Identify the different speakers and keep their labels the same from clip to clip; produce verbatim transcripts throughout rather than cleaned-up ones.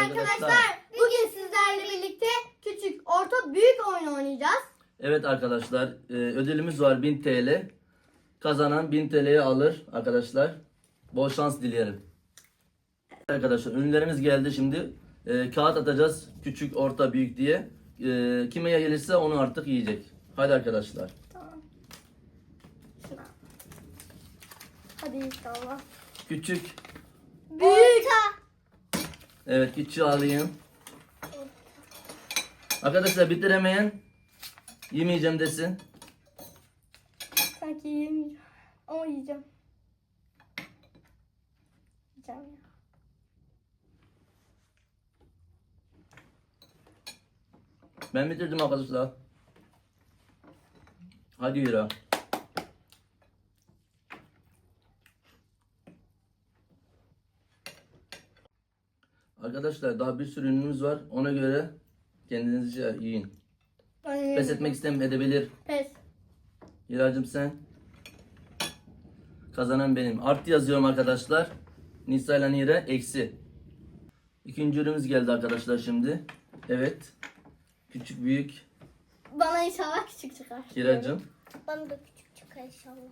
Speaker 1: Arkadaşlar bugün sizlerle birlikte küçük, orta, büyük oyun oynayacağız.
Speaker 2: Evet arkadaşlar, e, ödülümüz var bin T L. Kazanan bin T L'yi alır arkadaşlar. Bol şans dilerim. Arkadaşlar ürünlerimiz geldi şimdi. E, kağıt atacağız küçük, orta, büyük diye. E, kime gelirse onu artık yiyecek. Hadi arkadaşlar.
Speaker 1: Tamam. Şuna. Hadi inşallah.
Speaker 2: Küçük.
Speaker 1: Büyük.
Speaker 2: Evet, küçüğü alayım. Arkadaşlar bitiremeyen yemeyeceğim desin.
Speaker 1: Sanki yemeyeceğim. Ama yiyeceğim. Yiyeceğim ya.
Speaker 2: Ben bitirdim arkadaşlar. Hadi yürü. Arkadaşlar daha bir sürü ürünümüz var. Ona göre kendinizce yiyin.
Speaker 1: Ben
Speaker 2: Pes
Speaker 1: yemeyeceğim.
Speaker 2: etmek isteyen edebilir.
Speaker 1: Pes.
Speaker 2: Hiracığım sen. Kazanan benim. Artı yazıyorum arkadaşlar. Nisa ile Nire eksi. İkinci ürünümüz geldi arkadaşlar şimdi. Evet. Küçük büyük.
Speaker 1: Bana inşallah küçük çıkar.
Speaker 2: Hiracığım.
Speaker 3: Bana da küçük çıkar inşallah.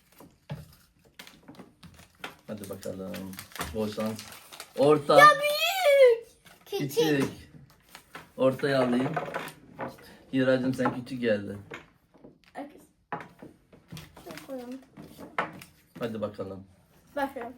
Speaker 2: Hadi bakalım. Bol şans. Orta.
Speaker 1: Büyük.
Speaker 2: Küçük. Ortaya alayım. Hiracığım sen küçük geldi.
Speaker 1: Herkes. Şöyle koyalım.
Speaker 2: Hadi bakalım.
Speaker 1: Başlayalım.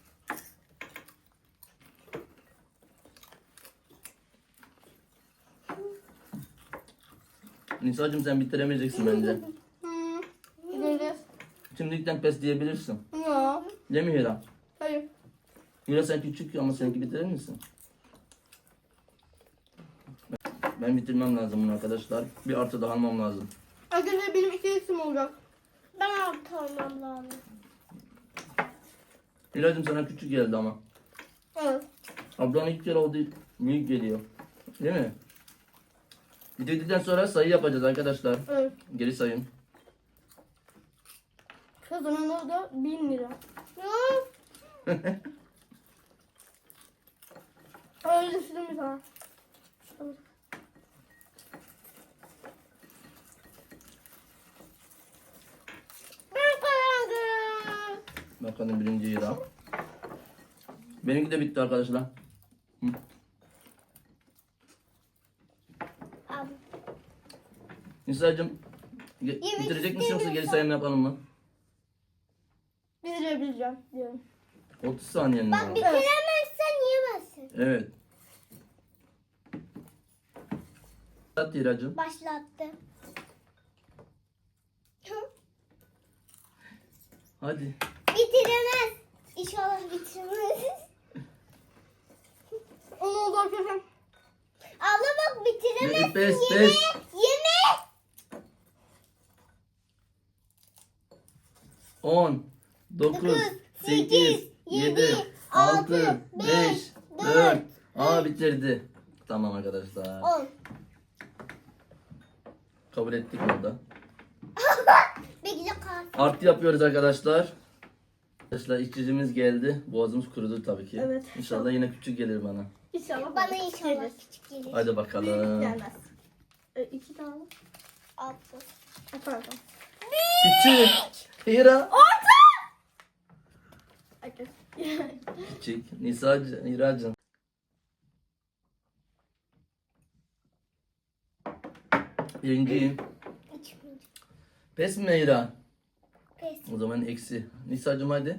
Speaker 2: Nisa'cığım sen bitiremeyeceksin bence.
Speaker 1: Hmm. Gideceğiz.
Speaker 2: Şimdilikten pes diyebilirsin.
Speaker 1: Ya.
Speaker 2: Değil mi Hira?
Speaker 1: Hayır.
Speaker 2: Hira sen küçük ama seninki bitirir misin? Ben bitirmem lazım bunu arkadaşlar. Bir artı daha almam lazım.
Speaker 1: Arkadaşlar benim iki eksim olacak.
Speaker 3: Ben altı olmam lazım.
Speaker 2: Hiracığım sana küçük geldi ama.
Speaker 1: Evet.
Speaker 2: Ablan ilk kere oldu büyük geliyor. Değil mi? Bitirdikten sonra sayı yapacağız arkadaşlar.
Speaker 1: Evet.
Speaker 2: Geri sayın.
Speaker 1: Kazananı da bin lira. Öyle düşündüm bir tane. Ben kazandım.
Speaker 2: Bakalım birinci Hira. Benimki de bitti arkadaşlar. Hı.
Speaker 3: Abi.
Speaker 2: Nisa'cığım ge-
Speaker 3: Yemek
Speaker 2: bitirecek misin yoksa geri
Speaker 3: istemiyorsam-
Speaker 2: sayım yapalım mı?
Speaker 1: Bitirebileceğim diyorum.
Speaker 2: otuz saniyen
Speaker 3: Bak
Speaker 2: var.
Speaker 3: bitiremezsen yiyemezsin.
Speaker 2: Evet. At Hiracığım.
Speaker 3: Başlattı.
Speaker 2: Hadi.
Speaker 3: Bitiremez. İnşallah bitiremez.
Speaker 1: Onu oldu arkadaşlar.
Speaker 3: Abla bak bitiremez.
Speaker 2: Pes
Speaker 3: Yeme.
Speaker 2: pes.
Speaker 3: Yeme.
Speaker 2: on, dokuz,
Speaker 3: Dokuz,
Speaker 2: sekiz,
Speaker 3: sekiz,
Speaker 2: yedi,
Speaker 3: yedi,
Speaker 2: altı,
Speaker 3: altı,
Speaker 2: beş,
Speaker 3: beş,
Speaker 2: dört.
Speaker 3: dört,
Speaker 2: Aa bitirdi. Tamam arkadaşlar.
Speaker 3: On.
Speaker 2: Kabul ettik burada.
Speaker 3: Bekle kal.
Speaker 2: Artı yapıyoruz arkadaşlar. Arkadaşlar içicimiz geldi. Boğazımız kurudu tabii ki.
Speaker 1: Evet.
Speaker 2: İnşallah yine küçük gelir bana.
Speaker 1: İnşallah.
Speaker 3: Bana inşallah küçük gelir.
Speaker 2: Hadi
Speaker 1: Büyük
Speaker 2: bakalım.
Speaker 1: gelmez. E, iki tane.
Speaker 3: Altı.
Speaker 1: E, pardon.
Speaker 2: Küçük. Hira.
Speaker 1: Herkes.
Speaker 2: Küçük. Nisa'cığım, Hira'cığım. Birinciyim.
Speaker 3: İçmeyeceğim.
Speaker 2: Pes mi Hira?
Speaker 3: Pes.
Speaker 2: O zaman eksi. Nisa'cığım hadi.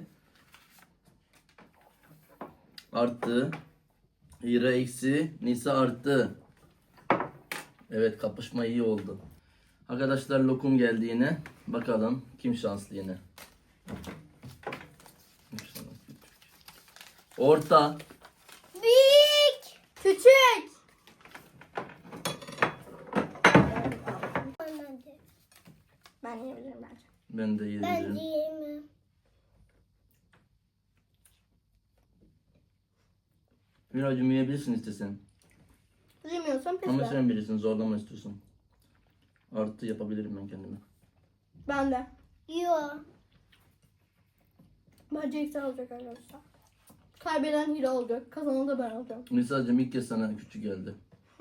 Speaker 2: Artı. Hira eksi. Nisa artı. Evet kapışma iyi oldu. Arkadaşlar lokum geldi yine. Bakalım kim şanslı yine. Orta.
Speaker 3: Büyük.
Speaker 1: Küçük.
Speaker 3: Anladım.
Speaker 1: Ben yiyebilirim bence.
Speaker 2: Ben de
Speaker 3: Ben
Speaker 2: yedim.
Speaker 3: yiyemem.
Speaker 2: Hiracığım yiyebilirsin istesen.
Speaker 1: Yemiyorsan pes
Speaker 2: Ama
Speaker 1: ver.
Speaker 2: sen bilirsin zorlama istiyorsun. Artı yapabilirim ben kendime.
Speaker 1: Ben de.
Speaker 3: Yok.
Speaker 1: Bence eksen olacak arkadaşlar. Kaybeden hile olacak. Kazanan da ben olacağım.
Speaker 2: Nisa'cığım ilk kez sana küçük geldi.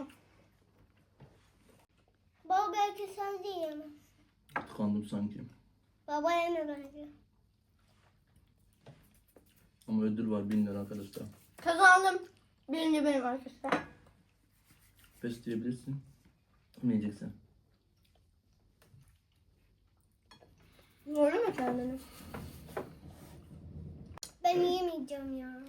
Speaker 3: Baba belki sen de yeme.
Speaker 2: Tıkandım sanki.
Speaker 3: Baba yeme bence.
Speaker 2: Ama ödül var bin lira arkadaşlar.
Speaker 1: Kazandım. Birinci benim arkadaşlar.
Speaker 2: Pes diyebilirsin. Yemeyeceksin.
Speaker 1: Doğru mu kendini?
Speaker 3: Ben yemeyeceğim ya.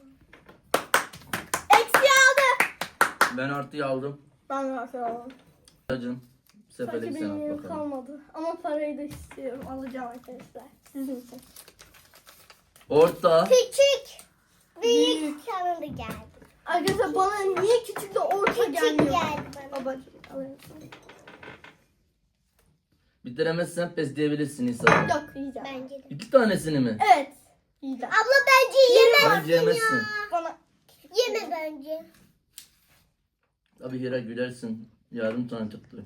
Speaker 1: Eksi aldı.
Speaker 2: Ben artıyı aldım.
Speaker 1: Ben de artık aldım.
Speaker 2: Nisa'cığım seferlik
Speaker 1: Sanki
Speaker 2: sen
Speaker 1: benim
Speaker 2: at
Speaker 1: yerim
Speaker 2: bakalım.
Speaker 1: kalmadı. Ama parayı da istiyorum. Alacağım arkadaşlar. Sizin için.
Speaker 2: Orta.
Speaker 3: Küçük. Büyük.
Speaker 1: Büyük.
Speaker 3: Sana da geldi.
Speaker 1: Arkadaşlar bana niye küçük de orta
Speaker 3: Küçük
Speaker 1: gelmiyor?
Speaker 3: geldi bana.
Speaker 1: Babacığım alayım.
Speaker 2: Bitiremezsen pes diyebilirsin Nisa.
Speaker 1: Yok yiyeceğim.
Speaker 3: Bence de.
Speaker 2: İki tanesini mi?
Speaker 1: Evet. Yiyeceğim.
Speaker 3: Abla bence yeme.
Speaker 2: Bence yemezsin.
Speaker 1: Bana
Speaker 3: Yeme bence.
Speaker 2: Tabii Hira gülersin. Yarım tane çıktı.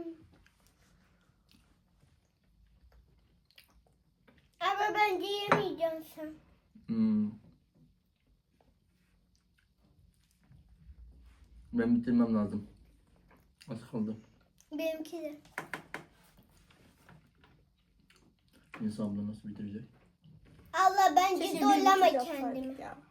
Speaker 3: Ama bence yemeyeceğim sen.
Speaker 2: Hmm. Ben bitirmem lazım. Az kaldı.
Speaker 3: Benimki de.
Speaker 2: Nisa abla nasıl bitirecek?
Speaker 3: Allah bence
Speaker 1: keşke
Speaker 3: zorlama
Speaker 1: bir yapsaydık
Speaker 3: kendini.
Speaker 1: ya.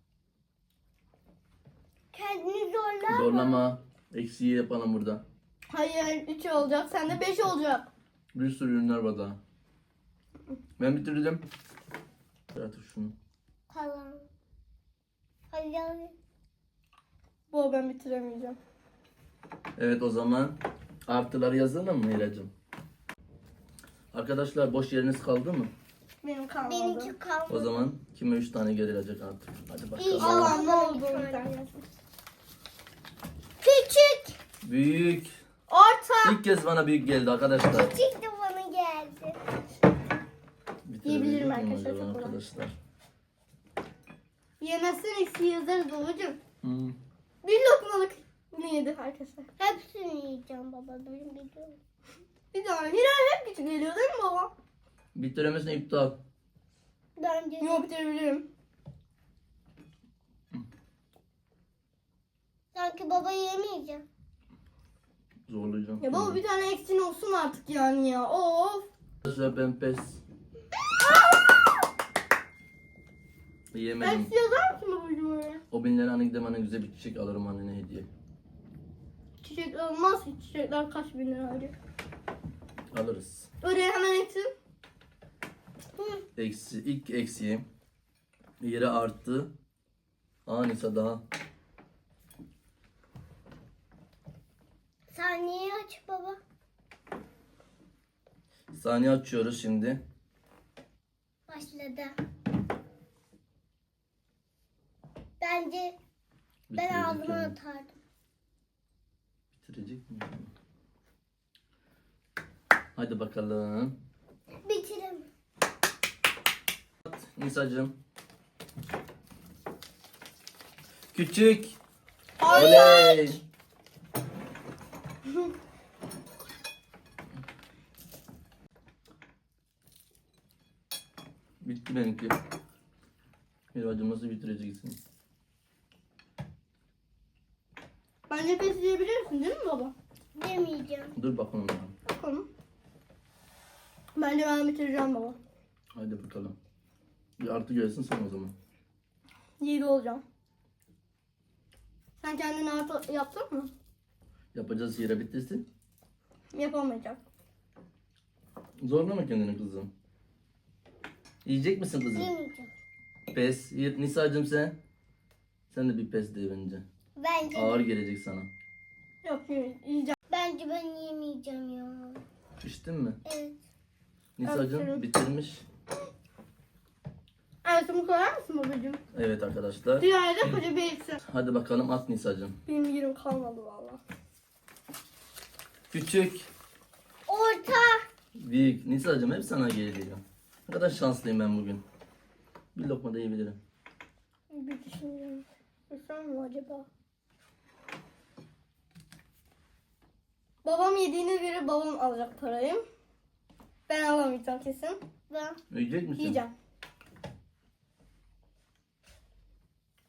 Speaker 3: Kendini zorlama.
Speaker 2: Zorlama. Eksiği yapalım burada.
Speaker 1: Hayır üç olacak. Sende beş olacak.
Speaker 2: Bir sürü ürünler var daha. Ben bitirdim. Artık şunu.
Speaker 3: Tamam. Hadi hadi.
Speaker 1: Bu ben bitiremeyeceğim.
Speaker 2: Evet o zaman artıları yazalım mı Hiracığım? Arkadaşlar boş yeriniz kaldı mı?
Speaker 1: Benim kalmadı.
Speaker 3: Benimki kalmadı.
Speaker 2: O zaman kime üç tane gelecek artık. Hadi bakalım.
Speaker 3: İnşallah.
Speaker 1: Allah ne oldu
Speaker 3: Bir
Speaker 1: bir
Speaker 3: tane.
Speaker 1: tane.
Speaker 3: Küçük.
Speaker 2: Büyük.
Speaker 1: Orta.
Speaker 2: İlk kez bana büyük geldi arkadaşlar.
Speaker 3: Küçük de bana geldi.
Speaker 2: Bitirebilecek
Speaker 1: Yiyebilirim
Speaker 2: miyim
Speaker 1: arkadaşlar,
Speaker 2: acaba
Speaker 1: çok kolay.
Speaker 2: arkadaşlar?
Speaker 1: Yemezsen eksi yazarız babacığım.
Speaker 2: Hmm.
Speaker 1: Bir lokmalık ne yedi arkadaşlar?
Speaker 3: Hepsini yiyeceğim baba. Benim biliyorum.
Speaker 1: Bir tane. Hilal hep küçük geliyor değil mi baba?
Speaker 2: Bitiremezsen iptal.
Speaker 3: Bence de.
Speaker 1: Yok bitirebilirim.
Speaker 3: Sanki baba yemeyeceğim.
Speaker 2: Zorlayacağım.
Speaker 1: Ya baba bir tane eksin olsun artık yani ya. Of.
Speaker 2: Arkadaşlar ben pes. Yemedim.
Speaker 1: Eksi yazar mısın babacığım öyle?
Speaker 2: O binleri hani gidem hani güzel bir çiçek alırım annene hediye.
Speaker 1: Çiçek olmaz ki. Çiçekler kaç bin lira alacak.
Speaker 2: Alırız.
Speaker 1: Oraya hemen eksin.
Speaker 2: Eksi, ilk eksiğim. Yere arttı. Aa Nisa daha.
Speaker 3: Saniye aç baba.
Speaker 2: Saniye açıyoruz şimdi.
Speaker 3: Başladı. Bence ben
Speaker 2: Bitirecek
Speaker 3: ağzıma
Speaker 2: yani.
Speaker 3: atardım.
Speaker 2: Bitirecek mi? Hadi bakalım.
Speaker 3: Bitiremem.
Speaker 2: Nisa'cığım. Küçük.
Speaker 1: Ay.
Speaker 2: Oley. Bitti benimki. Hiracığım nasıl bitireceksin?
Speaker 1: Bence pes diyebilirsin değil mi baba?
Speaker 3: Demeyeceğim.
Speaker 2: Dur bakalım. ya.
Speaker 1: Bakalım. Bence ben bitireceğim baba.
Speaker 2: Hadi bakalım. Bir artı gelsin sen o zaman.
Speaker 1: yedi olacağım. Sen kendini artı yaptın mı?
Speaker 2: Yapacağız yere bitirsin.
Speaker 1: Yapamayacak.
Speaker 2: Zorlama kendini kızım. Yiyecek misin kızım?
Speaker 3: Yemeyeceğim.
Speaker 2: Pes. Ye- Nisa'cığım sen. Sen de bir pes de bence.
Speaker 3: Bence
Speaker 2: Ağır gelecek sana.
Speaker 1: Yok yeme- yiyeceğim.
Speaker 3: bence ben yemeyeceğim ya.
Speaker 2: İçtin mi?
Speaker 3: Evet.
Speaker 2: Nisa'cığım
Speaker 1: Aferin.
Speaker 2: bitirmiş.
Speaker 1: Ertuğrul koyar mısın babacığım?
Speaker 2: Evet arkadaşlar.
Speaker 1: Dünyada koca bir eksin.
Speaker 2: Hadi bakalım at Nisa'cığım.
Speaker 1: Benim yerim kalmadı valla.
Speaker 2: Küçük.
Speaker 3: Orta.
Speaker 2: Büyük. Nisa'cığım hep sana geliyor. Ne kadar şanslıyım ben bugün. Bir lokma da yiyebilirim.
Speaker 1: Bir düşünüyorum. Yesem mi acaba? Babam yediğine göre babam alacak parayı. Ben alamayacağım kesin.
Speaker 3: Ben.
Speaker 2: Yiyecek misin?
Speaker 1: Yiyeceğim.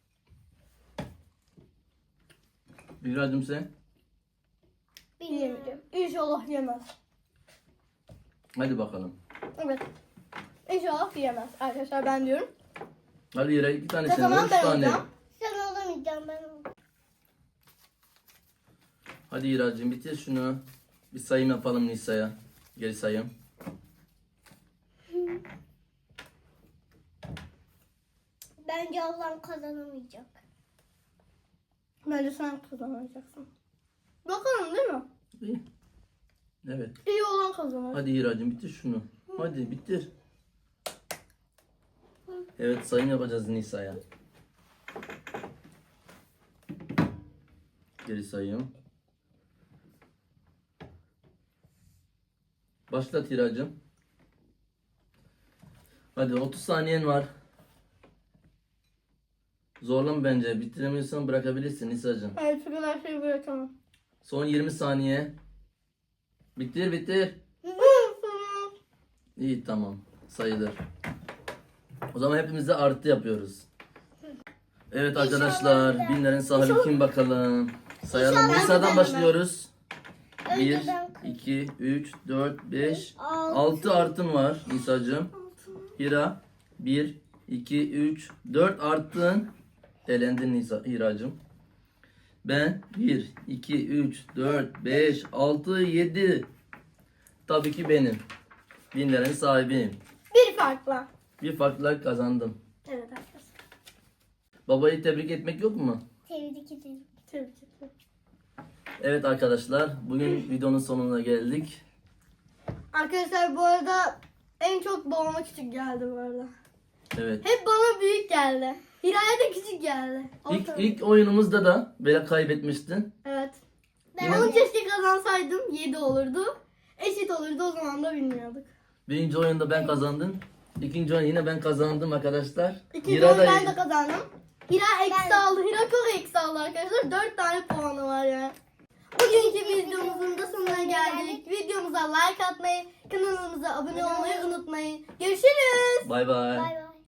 Speaker 2: Hiracığım sen?
Speaker 3: Bilmiyorum.
Speaker 1: Yemeyeceğim. İnşallah yemez.
Speaker 2: Hadi bakalım.
Speaker 1: Evet. İnşallah yemez. Arkadaşlar ben diyorum.
Speaker 2: Hadi Hira iki tanesini
Speaker 1: Kazanan
Speaker 2: üç
Speaker 1: ben
Speaker 2: tane.
Speaker 1: olacağım.
Speaker 3: Sen olamayacağım ben olacağım.
Speaker 2: Hadi Hiracığım bitir şunu. Bir sayım yapalım Nisa'ya. Geri sayım.
Speaker 3: Bence ablam kazanamayacak.
Speaker 1: Bence sen kazanacaksın. Bakalım değil mi?
Speaker 2: İyi. Evet.
Speaker 1: İyi olan kazanır.
Speaker 2: Hadi Hiracığım bitir şunu. Hadi bitir. Evet sayım yapacağız Nisa'ya. Geri sayım. Başlat Hiracığım. Hadi otuz saniyen var. Zorlama bence. Bitiremiyorsan bırakabilirsin Nisa'cığım.
Speaker 1: Evet, şu kadar şey bırakamam.
Speaker 2: Son yirmi saniye. Bitir bitir. İyi tamam. Sayılır. O zaman hepimiz de artı yapıyoruz. Evet arkadaşlar. Binlerin sahibi kim bakalım? Sayalım.
Speaker 3: İnşallah
Speaker 2: Nisa'dan
Speaker 1: ben.
Speaker 2: başlıyoruz.
Speaker 3: Önce
Speaker 2: bir,
Speaker 3: ben-
Speaker 2: iki, üç, dört, beş,
Speaker 3: Altı.
Speaker 2: altı artın var Nisa'cığım. Hira bir, iki, üç, dört artın. Elendin Nisa, Hiracığım. Ben bir, iki, üç, dört, beş, altı, yedi. Tabii ki benim. Binlerin sahibiyim.
Speaker 1: Bir farkla.
Speaker 2: Bir farkla kazandım.
Speaker 1: Evet arkadaşlar.
Speaker 2: Babayı tebrik etmek yok mu?
Speaker 3: Tebrik ederim.
Speaker 1: Tebrik ederim.
Speaker 2: Evet arkadaşlar, bugün videonun sonuna geldik.
Speaker 1: Arkadaşlar bu arada en çok babama küçük geldi bu arada.
Speaker 2: Evet.
Speaker 1: Hep bana büyük geldi. Hira'ya da küçük geldi.
Speaker 2: İlk,
Speaker 1: Orta-
Speaker 2: ilk oyunumuzda da böyle kaybetmiştin.
Speaker 1: Evet.
Speaker 3: Ben
Speaker 1: Onu keşke kazansaydım yedi olurdu. Eşit olurdu, o zaman da bilmiyorduk.
Speaker 2: Birinci oyunda ben kazandım. İkinci oyun yine ben kazandım arkadaşlar.
Speaker 1: İkinci
Speaker 2: Hira
Speaker 1: oyun
Speaker 2: da
Speaker 1: ben de kazandım. Hira eksi
Speaker 3: Ben-
Speaker 1: aldı. Hira çok eksi aldı arkadaşlar. dört tane puanı var yani. Bugünkü videomuzun da sonuna geldik. Videomuza like atmayı, kanalımıza abone olmayı unutmayın. Görüşürüz.
Speaker 2: bay bay.
Speaker 3: Bay bay.